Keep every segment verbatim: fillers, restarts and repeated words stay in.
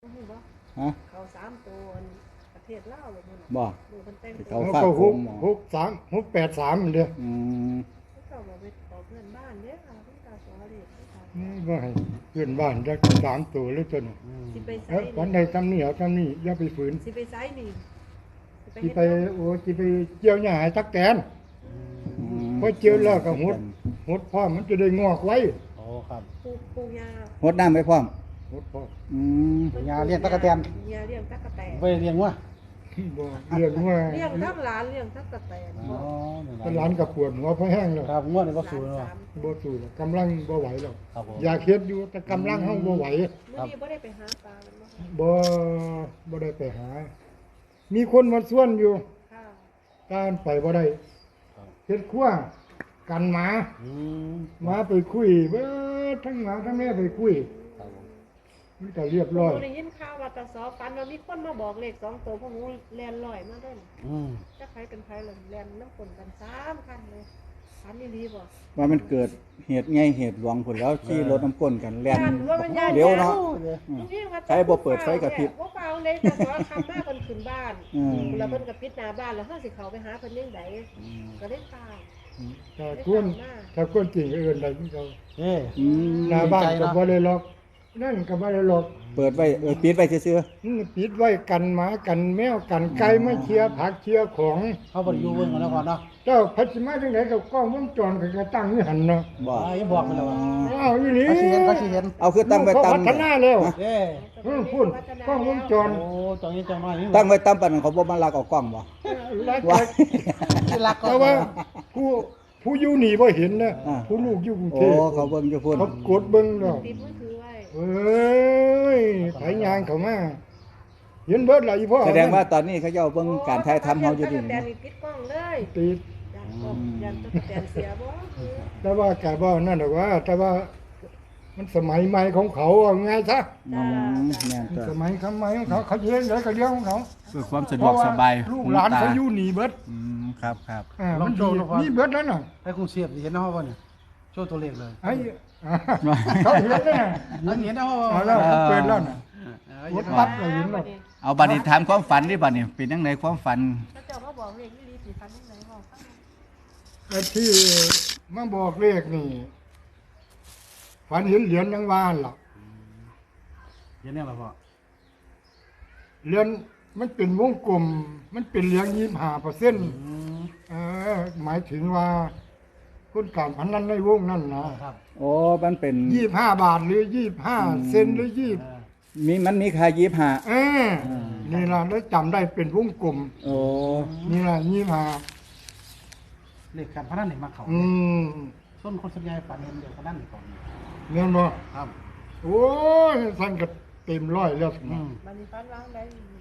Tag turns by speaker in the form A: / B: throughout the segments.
A: ฮะ
B: เขาสามตัวประเทศลาวเลยมัน
A: บ่
B: ดูมันแต่ง
A: เขา
B: ตัว
A: ฝาก
C: ก็
A: ผ
C: หก
A: มหมอ
C: หกสามหกแปดสามเด้อ
A: อืม
B: เขาบอกไปต่อเพื่อนบ้านเนี่ยค่ะเพิ่นตาสอเด็ก
C: นี่ก็ให้เพื่อนบ้านจักสามตัวเลยตัวนี้
B: สิไปไซ
C: เอ้ยวันใดทำนี่เอาทำนี่อย่าไปฝืน
B: สิไปไซนี่
C: สิไปโอ้สิไปเจียวหญ้าให้ตักแตน
A: อืม
C: พอเจียวแล้วก็หดหดพร้อมมันจะได้งอกไว้
D: โอ้ครับ
B: ปลูกปลูกยา
A: หดน้ำไปพร้อม
C: หดพร้อม
A: อืม
D: ยาเลี้ยงตั๊กแตน
B: ยาเลี้ยงตั๊กแตน
D: ไปเลี้ยงวะ
C: บ่เลี้ยงว่า
B: เลี้ยงทั้งหลานเลี้ยงตั๊กแตน
D: อ๋อ
C: ตหลานกับปวดหัวเพราะแห้งแล้ว
D: ครับงวดนี้ก็สูงแล้ว
C: บ่สู้แล้วกำลังบ่ไหวแล้ว
D: ครับผม
C: อยากเฮ็ดอยู่แต่กำลังเฮาบ่ไหว
B: มื้อนี้บ่ได้ไปหาปลามันบ่ค่ะ
C: บ่บ่ได้ไปหา มีคนมาส่วนอยู่
B: ค่ะ
C: การไปบ่ได้เฮ็ดครัวกันหมา
D: อืม
C: หมาไปคุยเบิดทั้งหมาทั้งแม่ไปคุย
D: ครับผม
C: มันก็เรียบร้อย
B: ได้ยินข่าวว่าตาสอฝันว่ามีคนมาบอกเลขสองตัวพวกหนูแล่นลอยมาเด้อ
D: อืม
B: จักใครเป็นใครล่ะแล่นน้ำฝนกันสามคันเลยฝันอีหลีบ่
A: ว่ามันเกิดเหตุไงเหตุหลวงผลแล้วขี่รถน้ำก้นกันแล่น
B: ย่านว่ามันย่าน
A: เร็วเนาะ
B: จริงๆว่า
A: ใช้บ่เปิดไฟกระพริบ
B: บ่เปล่าเลยแต่สอคำมาเพิ่นขึ้นบ้าน
A: อืม
B: แล้วเพิ่นก็ปิดหน้าบ้านแล้วเฮาสิเข้าไปหาเพิ่นยังไดก็ได้ตาย
C: ถ้าควรถ้าควรจริงก็เอิ้นได้ที่เขา
D: เอ้
A: อืม
C: หน้าบ้าน
D: ใจ
C: ก็
D: เนาะ
C: บ่ได้ล็อกนั่นก็บ่ได้ล็อก
A: เปิดไว้เออปิดไว้ซื่อ
C: นี่ปิดไว้กันหมากันแมวกันไก่มาเชียร์ผักเชียร์ของ
D: เขาบ่ได้อยู่เบิ่งกันแล้วก่อนเนาะ
C: เจ้าพัชมาจังไดก็กล้องวงจรก็จะตั้งอยู่หั่นเนาะ
A: ๆบ่
D: อ่ายังบอกกันแล้วว่า
C: อ้าวอีหลี
D: เขาสิเห็นเขาสิเห็น
A: เอาคือตั้งไว้
C: เขา
A: ตาม
C: พัฒนาแล้ว
D: เอ้
C: เออพูดกล้องวงจร
D: โอ้จังนี้จังน้อยนี่
A: ตั้งไว้ตามปานนั้นเขาบ่มาลักเอากล้องบ่
C: แล้ว
A: ว่า
D: ที่รักก็
C: แต่ว่าผู้ผู้อยู่นี่บ่เห็นนะ
A: อ่า
C: ผู้ลูกอยู่กรุงเท
A: โอ้
C: พ
A: เขาเบิ่งอยู่พุ่น
C: เขากดเบิ่งแล้ว
B: ติดมือถือไว้
C: เอ้ยไผยางเข้ามาเห็นเบิดล่ะอีพ่อ
A: แสดงว่าตอนนี้เขาเจ้าเบิ่งการถ่ายทำเฮาอยู่ดิ
B: แต่นี่ปิดกล้องเลย
C: ติด
B: อยากบอกอยากจะแต่เสียบ่
C: แต่ว่าแกบ่นั่นดอกว่า แต่ว่ามันสมัยใหม่ของเขาเอาไงซะ
A: อืมแม่นตัว
C: สมัยคำใหม่ของเขาเขาเลี้ยงได้ก็เลี้ยงของเขา
A: เพื่อความสะดวกสบาย
C: เพระว่ลูกหลานเขาอยู่นี่เบิด
A: อืมครับครับ
C: อ่ามันดีนี่เบิดแล้วน่ะ
D: ให้กรุงเทพสิเห็นเนาะว่าเนี่ยโชว์ตัวเลขเลย
C: ไอ้อ่าเขาเห็นแล้วน่ะ
D: อันเห็นเนาะ
C: เอาแล้วเขาเปิดแล้วน่ะ
D: เอ
C: ก
D: อ
C: ดปั๊บก็เห็นแล้ว
A: เอาบัดนี้ถามความฝันดิบัดนี้เป็นจังไดความฝัน
B: ถ้าเจ้ามาบอกเลขนี่ลีสิฟันยังไงบอกฟัง
C: ไอ้ที่มาบอกเลขนี่ฝันเห็นเหรียญยังวานล่ะ
D: เห็นเนี่ยล่ะพ่อ
C: เหรียญมันเป็นวงกลม มันเป็นเหรียญยี่สิบห้าเปอร์เซ็นต์
D: อืม
C: เออหมายถึงว่าคนการพนันในวงนั่นนะ
D: ครับ
A: โอ้มันเป็น
C: ยี่สิบห้าบาทหรือยี่สิบห้าเซนหรือยี่
D: เออ
A: มีมันมีค่ายี่สิบห้า
C: เออนี่ล่ะแล้วจำได้เป็นวงกลม
A: โอ้
C: นี่ล่ะยี่สิบห้า
D: เลขการพนันนี่มาเขา
C: อืม
D: ส่วนคนส่วนใหญ่ฝันเห็นเด็กพนันนี่ก่อน
C: เงี้ยบ่
D: ครับ
C: โอ้ยท่านก็เต็มร้อยแล้ว
D: อืม
B: บัดนี้ฟันวางได้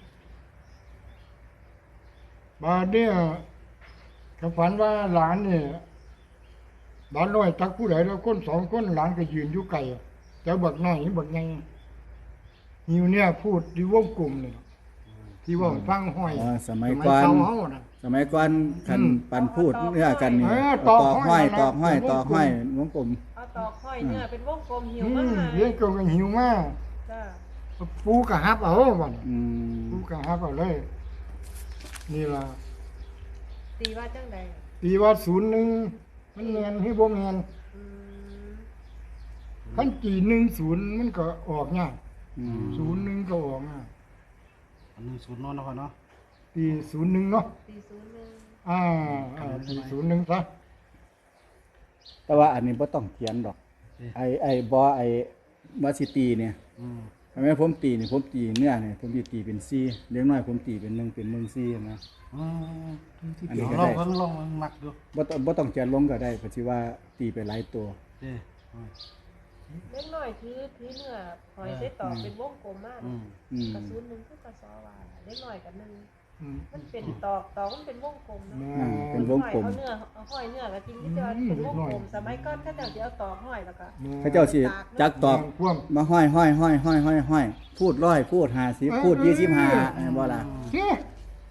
C: บาดเนี่ยก็ฝันว่าหลานเนี่ยหลานน้อยจักผู้ใดแล้วคนสองคนหลานก็ยืนอยู่ไกลแต่บักน้อยบักใหญ่หิวเนี่ยพูดที่วงกลมเนี่ยที่ว่าฟังห้อย
A: อ๋อสมัย
C: ส
A: ก่อน
C: เก่าเฮาน่ะ
A: สมัยก่อนคัน
C: อืม
A: ปันพูดเนื้อกันนี่
C: เออ
A: ต
C: ต
A: อ
C: อก กห้
A: ห้อ
C: อย ย
A: ตอกห้อย
C: นะ
A: ตอกห้อยวงกลม
B: เอาตอกห้อยเนื้อเป็นวงกลมหิว
C: อื
B: มาม ก
C: เลี้ยงกงกันหิวมาก
B: จ้า
C: ปูกะฮับเอาบ่น
A: อืม
C: ปูกะฮับเอาเลย นี่ล่ะ
B: ตีว่าจังได
C: ตีว่าศูนย์หนึ่งมันแมนให้บ่แมน
B: อืม
C: คันกี่หนึ่งศูนย์มันก็ออกง่าย
A: อืม
C: ศูนย์หนึ่งก็ออกง่าย
D: อันหนึงศูนย์เนอนนะพ่อเนาะ
C: ตีศูนย์หนึ่งเนาะ
B: ตีศูนย์หนึ่ง
C: อ่าอ่าตีศูนย์หนึ่งซะ
A: แต่ว่าอันนี้บ่ต้องเขียนดอก ไอ้ไอ้บ่ไอ้วาสิตีเนี่ย
D: อืม
A: ทำไมผมตีนี่ผมตีเนื้อเนี่ยผมสิตีเป็นสี่เลี้ยงน้อยผมตีเป็นหนึ่งเป็นหนึ่งสี่นะ
D: อืม
A: อันนี้ก็
D: ล
A: ได้
D: องเพิ่งลองมันมักดู
A: บ่ต้องบ่ต้องเขียนลงก็ได้เพราะสิว่าตีไปหลายตัว
D: เด้อืม
B: เล็กน้อยถือถือเนื้อหอยใส่ตอกเป็นวงกลมมาก
D: อืม
A: อืม
B: กระสุนหนึ่งคือกระสอว่าเล็กน้อยกับหนึ่ง
C: อืม
B: มันเป็นตอกตอกมันเป็นวงกลมเนาะ
A: อ่าเป็นวงกลม
B: เอาเนื้อเอาห้อยเนื้อแล้วกินที่จะเป็นวงกลมสมัยก่อนถ้าเจ้าจะเอาตอกห้อยแล้วก็
A: เขาเจ้าสิจักตอก
C: พ่วง
A: มาห้อยห้อยห้อยห้อยห้อยห้อยพูดร้อยพูดห้าสิบพูดยี่สิบห้าบ่ล่ะ
C: เฮ้ย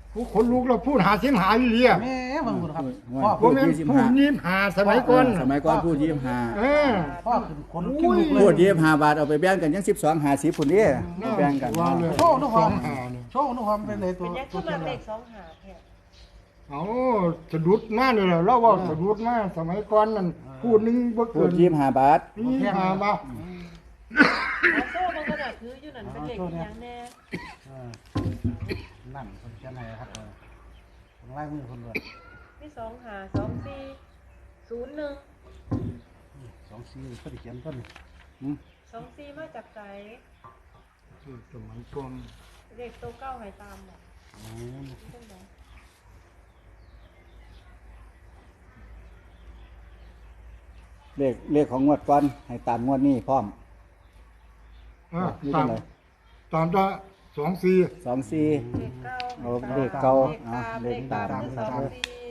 C: ผู้คนลูกเราพูดหาสิมหาอีหลีอ่ะ
D: แม่เบิ่งคุณครับ
A: ว่า
D: พ่อ
C: บ่แม่นพูดยิ้มหาสมัยก่อน
A: สมัยก่อนพูดยี่สิบห้า
C: เออ
D: พ่อขึ้นคนขี้ลุกเล
A: พูด
D: ย
A: ยี่สิบห้าบาทเอาไปแบ่งกันยังสิบสองห้าสิบพุ่นนี่แบ่งกัน
C: ว่าเลย
D: โชว์ทุกค
C: สอ
D: วาม
C: งหาเนี่ย
D: โชว์ทุกความเป็นเลยตัว
B: เป็นยัง
D: ตั
B: ขึ้
D: วน เขีย
B: มาน เล
D: เลย
B: ขสองหาแท้
C: เอาสะดุดมากเลยแหละเราว่าสะดุดมากสมัยก่อนนั่นพูดหนึงบ่
A: พู
C: เกิ
A: ด
C: น
A: ยี่สิบห้าบาท
C: นี่หามา
B: เอาโซ่มันก็น่ะคืออยู่นั่นเป็นเลขอีหยังแน่
D: เออนั่นคนเขียนให้ครับเออคนไล่มือคนเลย
B: มีสองหาสองสี่ศูนย์หนึ่ง
D: สองสี่ก็ได้เขียนต้น
B: สองสี่มาจากใจ
C: สมัยก่อน
B: เลขตัวเก้าให้ตามบ่
D: อืม
B: จังได๋
A: เลขเลขของงวดก่อนให้ตามงวดนี้พร้อม
C: อ่ะ
A: นี่
C: ตา
A: เท่าม ไหร่
C: ตามจะสองสี่
A: สองสี่
B: เลขเก้า
A: เอาเลขเก้า
B: เลขตาม
A: เอา
B: เล
A: เล
B: ข
A: ข
B: ตา
A: ตาม ม
B: คือสองสี่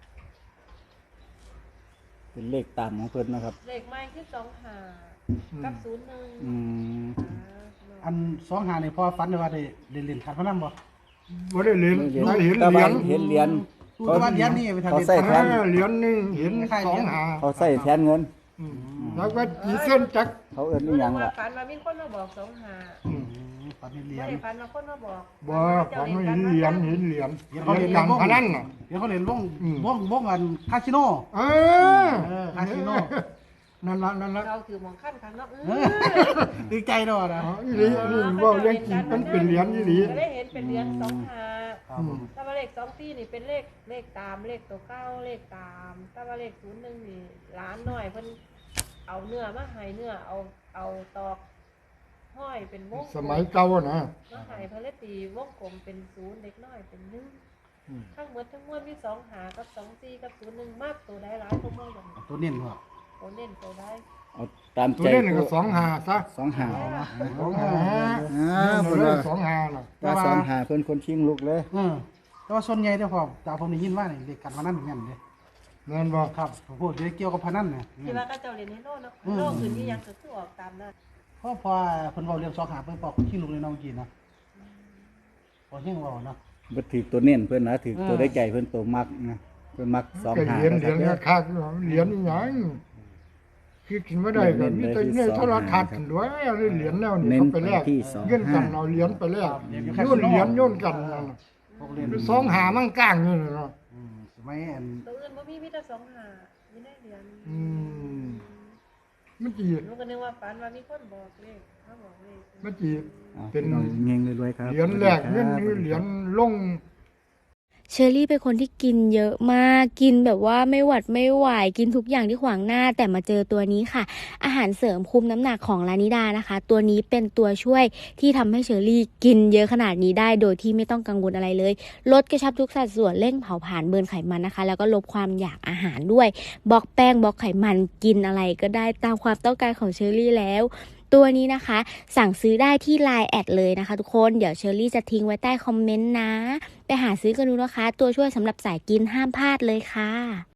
A: เป็นเลขตามของเพิ่นนะครับ
B: เลขใหม่คือสองหากับศูนย์หนึ่ง
A: อืม
D: อันสองหานี่พ่อฝันเลยว่าได้ได้เล่นขันพนันบ่
C: บ่ได้เหรียญได้เห็น
A: แต่
C: เหรี
A: ว่าย
C: ญ
A: เห็นเหรียญ
D: ดูแต่ว่าเหรียญนี่ไปทำ
A: เขา
D: เล่น
A: ใส่
C: เอ
A: แทน
C: อเหรียญหนึงเห็นสองหา
A: เขาใส่แทนเงิน
C: อืมแล้วก็จีเส้นจัก
A: เขาเอิ้นอีหยังล่ะ
B: ฝันว่ามีคนมาบอกสองหา
C: อืม
D: อืมฝันเห็นเหรีย
B: ไม่
D: ญ
B: ได้ฝันว่าคนมาบอก
C: บ่ผมไม่เห็นเหรียญเห็นเหรียญ
D: เหรี
C: เห
D: ยญ
C: รียญ
D: เขา
C: กา
D: เห็น
C: รพนันน่ะ
D: เดี๋ยวเขาเล่นวง
C: อืม
D: วงวงกันคาสิโน
C: เออ
D: เออคาสิโน
C: นั่นละนั่นละ
B: เราถือหมองขั้นครั้งเนาะ
D: เออดีใจด้วยนะ
C: อ๋ออีหลีนี่ว่าเรื่องจริงมันเป็นเหรียญอีหลี
B: ก็ได้เห็นเป็นเหรียญสองหา
D: ครับผม
B: ถ้าว่าเลขสองสี่นี่เป็นเลขเลขตามเลขตัวเก้าเลขตามถ้าว่าเลขศูนย์หนึ่งนี่ล้านหน่อยเพิ่นเอาเนื้อมาให้เนื้อเอาเอาตอกห้อยเป็นวง
C: สมัยเก่าอะนะ
B: มาให้เพิ่นเลยตีวงกลมเป็นศูนย์เล็กน้อยเป็นหนึ่ง
C: อืม
B: ทั้งหมดทั้งมวลมีสองหากับสองสี่กับศูนย์หนึ่งมากตัวใดหลายตัวมากอย่าง
D: ตัวเน้นหัว
B: ตัวเน้นตัวใด
A: เอาตาม
C: ตัว
A: ใจ
C: เล่นก็สองหาซะ
A: สองห้า
C: สองหา
A: อ่า
C: เล่
A: เพิ่น
C: น
A: ว่า
C: สองหาน่ะ
A: ว่าสองห้าเพิ่นคนชิงลูกเลย
D: เออแต่ว่าส่วนใหญ่เด้อพ่อจากผมได้ยินว่านี่เด็กกันพนันเหมือนกันเด้
C: เงินบ่
D: ครับผมพูดเรื่องเกี่ยวกับพนันเนี่ย
B: ที่ว่าก็เจ้าเรียนให้โลกเนาะโลกอื่นนี่ยังก็คือออกตามนั้น
D: เพราะพอเพิ่นเว้าเรื่องสองหาเพิ่นบอกคนขี้ลูกเลยน้องกินเนาะพอเฮงเว้าเนาะ
A: บ่ถือตัวเน้นเพิ่นนะถือตัว
D: เออ
A: ได้ใจเพิ่นตัวมักนะเพิ่นมักสอง
C: ก็
A: ห้า
C: เหรียญเหรียญ
A: นะค
C: ก็
A: รับ
C: คักเหรียญอีหยังคือกินบ่ได้ก็มีแต่ในโทรทัศน์ด้วยเหรียญแนวนี้
A: เน้น
C: เขาไป
A: ไป
C: แลก
A: ที่สอง
C: เงินกั
A: ห้าน
C: เอาเหรียญไปแลกโยนเหรียญโยนกันนั่นน่ะ
D: พวกเล่น
C: สองหามั่งก้างนี่เนาะ
D: อืมสมัยอัน
B: ตัวอื่นบ่มีมีแต่สองหามีได้เหรียญ
C: อืมมันจี
B: หนูก็นึกว่าฝันว่ามีคนบอกเลขเขาบอกเลข
C: มันจี
A: เอา
C: เป็น
A: พี่น้องเฮงๆรวยๆครับ
C: เหรียญแรกเงินนี่เหรียญลง
E: เชอรี่เป็นคนที่กินเยอะมาก กินแบบว่าไม่หวัดไม่ไหว กินทุกอย่างที่ขวางหน้า แต่มาเจอตัวนี้ค่ะ อาหารเสริมคุมน้ำหนักของลานิดานะคะ ตัวนี้เป็นตัวช่วยที่ทำให้เชอรี่กินเยอะขนาดนี้ได้ โดยที่ไม่ต้องกังวลอะไรเลย ลดกระชับทุกสัดส่วน เร่งเผาผลาญเบิร์นไขมันนะคะ แล้วก็ลดความอยากอาหารด้วย บล็อกแป้ง บล็อกไขมัน กินอะไรก็ได้ตามความต้องการของเชอรี่แล้ว ตัวนี้นะคะ สั่งซื้อได้ที่ ไลน์ แอดเลยนะคะทุกคน เดี๋ยวเชอรี่จะทิ้งไว้ใต้คอมเมนต์นะ ไปหาซื้อกันดูนะคะ ตัวช่วยสำหรับสายกินห้ามพลาดเลยค่ะ